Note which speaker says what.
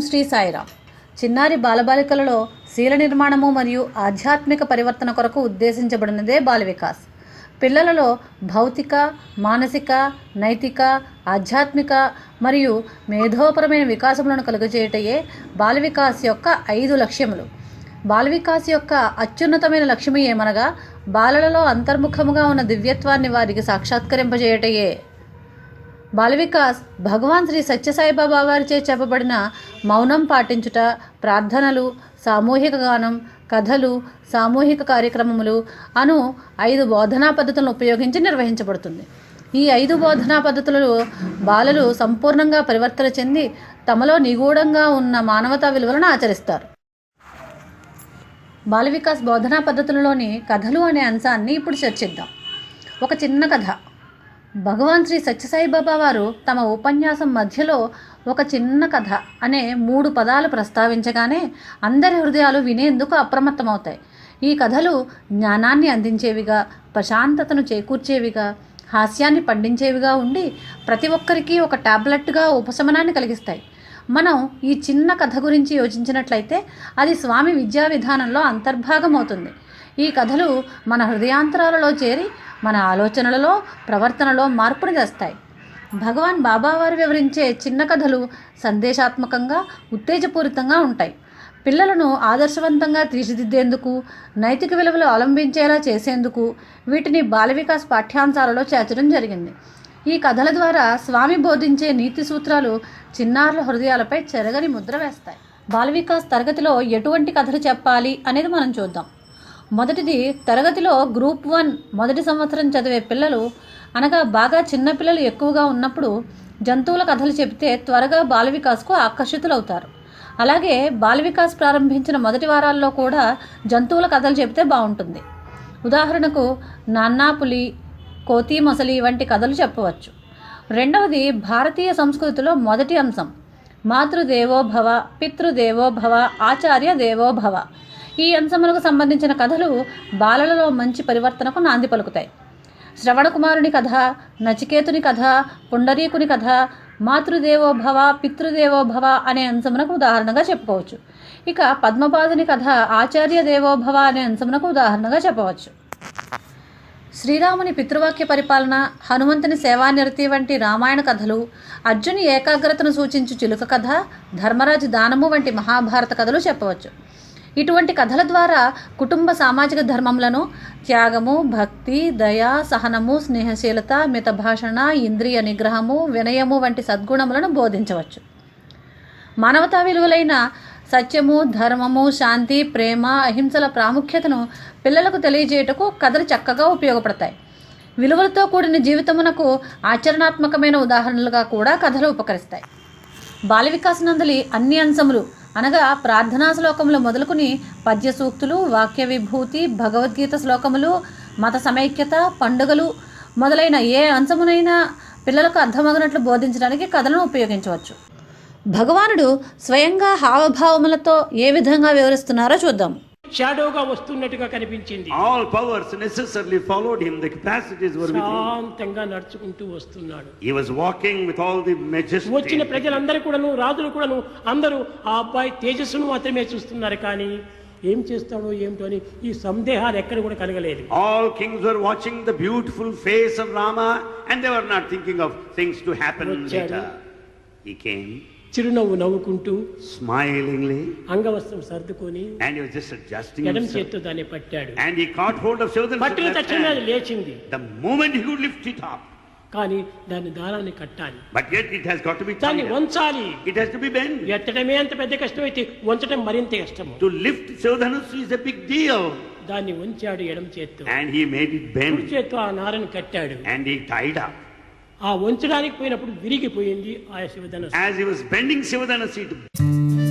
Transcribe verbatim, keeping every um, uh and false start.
Speaker 1: శ్రీ సాయిరామ్. చిన్నారి బాలబాలికలలో శీల నిర్మాణము మరియు ఆధ్యాత్మిక పరివర్తన కొరకు ఉద్దేశించబడినదే బాల వికాస్. పిల్లలలో భౌతిక, మానసిక, నైతిక, ఆధ్యాత్మిక మరియు మేధోపరమైన వికాసములను కలుగజేయటయే బాల వికాస్ యొక్క ఐదు లక్ష్యములు. బాల వికాస్ యొక్క అత్యున్నతమైన లక్ష్యము ఏమనగా బాలలలో అంతర్ముఖముగా ఉన్న దివ్యత్వాన్ని వారికి సాక్షాత్కరింపజేయటయే. బాల వికాస్ భగవాన్ శ్రీ సత్యసాయిబాబా వారిచే చెప్పబడిన మౌనం పాటించుట, ప్రార్థనలు, సామూహిక గానం, కథలు, సామూహిక కార్యక్రమములు అను ఐదు బోధనా పద్ధతులను ఉపయోగించి నిర్వహించబడుతుంది. ఈ ఐదు బోధనా పద్ధతులలో బాలలు సంపూర్ణంగా పరివర్తన చెంది తమలో నిగూఢంగా ఉన్న మానవతా విలువలను ఆచరిస్తారు. బాల వికాస్ బోధనా పద్ధతులలోని కథలు అనే అంశాన్ని ఇప్పుడు చర్చిద్దాం. ఒక చిన్న కథ. భగవాన్ శ్రీ సత్యసాయిబాబా వారు తమ ఉపన్యాసం మధ్యలో ఒక చిన్న కథ అనే మూడు పదాలు ప్రస్తావించగానే అందరి హృదయాలు వినేందుకు అప్రమత్తమవుతాయి. ఈ కథలు జ్ఞానాన్ని అందించేవిగా, ప్రశాంతతను చేకూర్చేవిగా, హాస్యాన్ని పండించేవిగా ఉండి ప్రతి ఒక్కరికి ఒక టాబ్లెట్గా ఉపశమనాన్ని కలిగిస్తాయి. మనం ఈ చిన్న కథ గురించి యోచించినట్లయితే అది స్వామి విద్యా విధానంలో అంతర్భాగం అవుతుంది. ఈ కథలు మన హృదయాంతరాలలో చేరి మన ఆలోచనలలో, ప్రవర్తనలో మార్పుని తెస్తాయి. భగవాన్ బాబావారు వివరించే చిన్న కథలు సందేశాత్మకంగా, ఉత్తేజపూరితంగా ఉంటాయి. పిల్లలను ఆదర్శవంతంగా తీర్చిదిద్దేందుకు, నైతిక విలువలు అవలంబించేలా చేసేందుకు వీటిని బాల వికాస్ పాఠ్యాంశాలలో చేర్చడం జరిగింది. ఈ కథల ద్వారా స్వామి బోధించే నీతి సూత్రాలు చిన్నారుల హృదయాలపై చెరగని ముద్ర వేస్తాయి. బాల వికాస్ తరగతిలో ఎటువంటి కథలు చెప్పాలి అనేది మనం చూద్దాం. మొదటిది, తరగతిలో గ్రూప్ వన్ మొదటి సంవత్సరం చదివే పిల్లలు అనగా బాగా చిన్నపిల్లలు ఎక్కువగా ఉన్నప్పుడు జంతువుల కథలు చెబితే త్వరగా బాల వికాస్కు ఆకర్షితులవుతారు. అలాగే బాల వికాస్ ప్రారంభించిన మొదటి వారాల్లో కూడా జంతువుల కథలు చెబితే బాగుంటుంది. ఉదాహరణకు నాన్నా పులి, కోతి మొసలి వంటి కథలు చెప్పవచ్చు. రెండవది, భారతీయ సంస్కృతిలో మొదటి అంశం మాతృదేవోభవ, పితృదేవోభవ, ఆచార్య దేవోభవ. ఈ అంశములకు సంబంధించిన కథలు బాలలలో మంచి పరివర్తనకు నాంది పలుకుతాయి. శ్రవణకుమారుని కథ, నచికేతుని కథ, పుండరీకుని కథ మాతృదేవోభవ, పితృదేవోభవ అనే అంశమునకు ఉదాహరణగా చెప్పుకోవచ్చు. ఇక పద్మపాదుని కథ ఆచార్య దేవోభవ అనే అంశమునకు ఉదాహరణగా చెప్పవచ్చు. శ్రీరాముని పితృవాక్య పరిపాలన, హనుమంతుని సేవానిరతి వంటి రామాయణ కథలు, అర్జుని ఏకాగ్రతను సూచించు చిలుక కథ, ధర్మరాజు దానము వంటి మహాభారత కథలు చెప్పవచ్చు. ఇటువంటి కథల ద్వారా కుటుంబ సామాజిక ధర్మములను, త్యాగము, భక్తి, దయ, సహనము, స్నేహశీలత, మితభాషణ, ఇంద్రియ నిగ్రహము, వినయము వంటి సద్గుణములను బోధించవచ్చు. మానవతా విలువలైన సత్యము, ధర్మము, శాంతి, ప్రేమ, అహింసల ప్రాముఖ్యతను పిల్లలకు తెలియజేయటకు కథలు చక్కగా ఉపయోగపడతాయి. విలువలతో కూడిన జీవితమునకు ఆచరణాత్మకమైన ఉదాహరణలుగా కూడా కథలు ఉపకరిస్తాయి. బాల వికాస్ నందలి అన్ని అంశములు అనగా ప్రార్థనా శ్లోకములు మొదలుకుని పద్య సూక్తులు, వాక్య విభూతి, భగవద్గీత శ్లోకములు, మత సమైక్యత, పండుగలు మొదలైన ఏ అంశమునైనా పిల్లలకు అర్థమగినట్లు బోధించడానికి కథలను ఉపయోగించవచ్చు. భగవానుడు స్వయంగా హావభావములతో ఏ విధంగా వివరిస్తున్నారో చూద్దాం.
Speaker 2: షాడోగా వస్తున్నట్టుగా కనిపించింది.
Speaker 3: All powers necessarily followed him. The capacities were with him.
Speaker 2: శాంతంగా నడుచుకుంటూ వస్తున్నాడు.
Speaker 3: He was walking with all the majesty.
Speaker 2: వచ్చిన ప్రజలందరూ కూడాను, రాజులు కూడాను అందరూ ఆ అబ్బాయి తేజస్సును మాత్రమే చూస్తున్నారు. కానీ ఏం చేస్తాడో ఏమిటో అని ఈ సందేహాలు ఎక్కడ కూడా కలగలేదు.
Speaker 3: All kings were watching the beautiful face of Rama and they were not thinking of things to happen later. He came
Speaker 2: చిరునవ్వు నవ్వుకుంటూ,
Speaker 3: smilingly,
Speaker 2: అంగవస్త్రం సర్దుకొని,
Speaker 3: and he was just adjusting
Speaker 2: ఎడమ
Speaker 3: himself.
Speaker 2: చేత్తో దాన్ని పట్టాడు.
Speaker 3: And he caught hold of Shodhan's
Speaker 2: పట్టిన
Speaker 3: left
Speaker 2: తక్షణమే అది
Speaker 3: hand.
Speaker 2: లేచింది.
Speaker 3: The moment he could lift it up.
Speaker 2: కానీ దాన్ని దారాన్ని కట్టాలి.
Speaker 3: But yet it has got to be
Speaker 2: దాన్ని
Speaker 3: tied up.
Speaker 2: వంచాలి.
Speaker 3: It has to be bent.
Speaker 2: ఎత్తడమే అంత పెద్ద కష్టం అయితే వంచడం మరింత కష్టము.
Speaker 3: To lift Shodhanus is a big deal.
Speaker 2: దాన్ని వంచాడు ఎడమ చేత్తో.
Speaker 3: And he made it
Speaker 2: కుడి
Speaker 3: bend.
Speaker 2: చేత్తో ఆ నారను కట్టాడు.
Speaker 3: And he tied up.
Speaker 2: ఆ వంచడానికి పోయినప్పుడు విరిగిపోయింది ఆ శివధనుస్సు.
Speaker 3: As he was bending Shivadhanasi, it